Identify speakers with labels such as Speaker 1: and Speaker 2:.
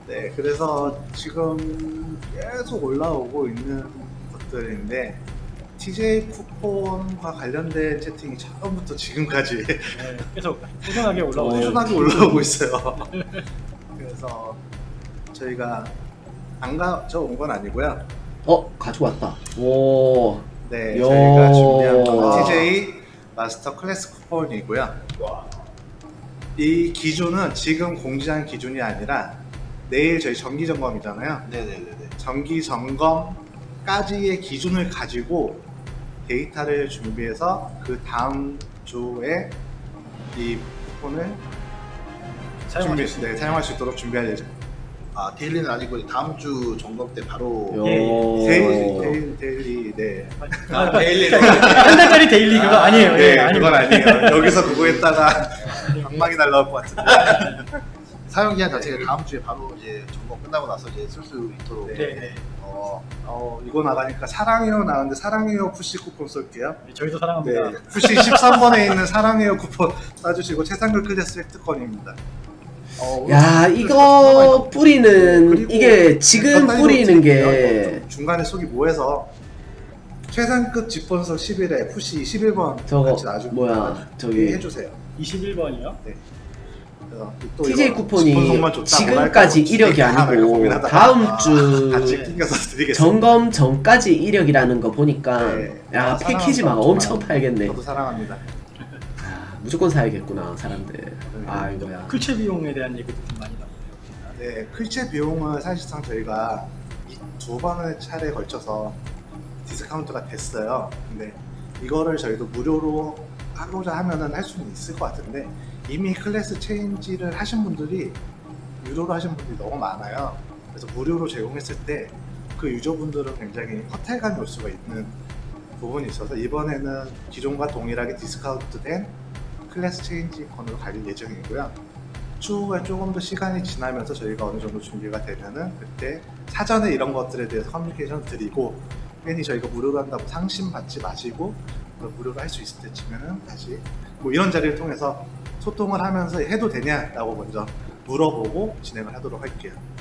Speaker 1: 네, 그래서 지금 계속 올라오고 있는 것들인데 TJ 쿠폰과 관련된 채팅이 처음부터 지금까지
Speaker 2: 네, 계속 꾸준하게 올라오네요.
Speaker 1: 꾸준하게 올라오고 있어요. 그래서 저희가 안 가져온 건 아니고요.
Speaker 3: 가지고 왔다. 오.
Speaker 1: 네,
Speaker 3: 야.
Speaker 1: 저희가 준비한 건 TJ 마스터 클래스 쿠폰이고요. 이 기준은 지금 공지한 기준이 아니라 내일 저희 정기 점검이잖아요.
Speaker 4: 네네네네.
Speaker 1: 정기 점검까지의 기준을 가지고 데이터를 준비해서 그 다음 주에 이 쿠폰을 사용할 수 있도록 준비할 예정.
Speaker 4: 아, 데일리는 아니고 다음 주 점검 때 바로.
Speaker 1: 데일리, 네.
Speaker 4: 아, 데일리.
Speaker 2: 한 달짜리 데일리 그거 아니에요.
Speaker 1: 네,
Speaker 2: 아니에요.
Speaker 1: 그건 아니에요. 여기서 그거 했다가 방망이 날라올 것 같은데.
Speaker 4: 사용 기한 자체가 다음 주에 바로 이제 점검 끝나고 나서 이제 쓸 수 있도록.
Speaker 2: 네.
Speaker 1: 이거 나가니까 사랑해요 나왔는데 사랑해요 푸시 쿠폰 쏠게요.
Speaker 2: 저희도 사랑합니다.
Speaker 1: 네, 푸시 13번에 있는 사랑해요 쿠폰 쏴주시고 최상급 클래스 획득권입니다.
Speaker 3: 야, 이거 뿌리는 이게 지금 뿌리는 게
Speaker 1: 중간에 속이 뭐해서 최상급 집번석 11에 푸시 11번
Speaker 3: 저거
Speaker 1: 같이 놔주고
Speaker 3: 뭐야 저기
Speaker 1: 해주세요.
Speaker 2: 21번이요?
Speaker 1: 네. 그래서 또
Speaker 3: TJ
Speaker 1: 이거
Speaker 3: 쿠폰이
Speaker 1: 집번석만 좋다,
Speaker 3: 지금까지
Speaker 1: 뭐랄까,
Speaker 3: 이력이
Speaker 1: 할까
Speaker 3: 아니고
Speaker 1: 고민하다가
Speaker 3: 다음
Speaker 1: 같이
Speaker 3: 주
Speaker 1: 끼겨서 드리겠습니다.
Speaker 3: 점검 전까지 이력이라는 거 보니까
Speaker 1: 네.
Speaker 3: 야,
Speaker 1: 사랑하는
Speaker 3: 패키지만
Speaker 1: 사람
Speaker 3: 엄청 팔겠네.
Speaker 1: 저도 사랑합니다.
Speaker 3: 무조건 사야겠구나 사람들. 아, 이거야.
Speaker 2: 클체 비용에 대한 얘기도 좀 많이 나오네요.
Speaker 1: 네, 클체 비용은 사실상 저희가 두 번의 차례에 걸쳐서 디스카운트가 됐어요. 근데 이거를 저희도 무료로 하고자 하면은 할 수는 있을 것 같은데 이미 클래스 체인지를 하신 분들이 유료로 하신 분들이 너무 많아요. 그래서 무료로 제공했을 때 그 유저분들은 굉장히 허탈감이 올 수가 있는 부분이 있어서 이번에는 기존과 동일하게 디스카운트된 클래스 체인지권으로 갈 예정이고요. 추후에 조금 더 시간이 지나면서 저희가 어느 정도 준비가 되면은 그때 사전에 이런 것들에 대해서 커뮤니케이션 드리고 괜히 저희가 무료로 한다고 상심 받지 마시고 무료로 할 수 있을 때쯤에는 다시 뭐 이런 자리를 통해서 소통을 하면서 해도 되냐라고 먼저 물어보고 진행을 하도록 할게요.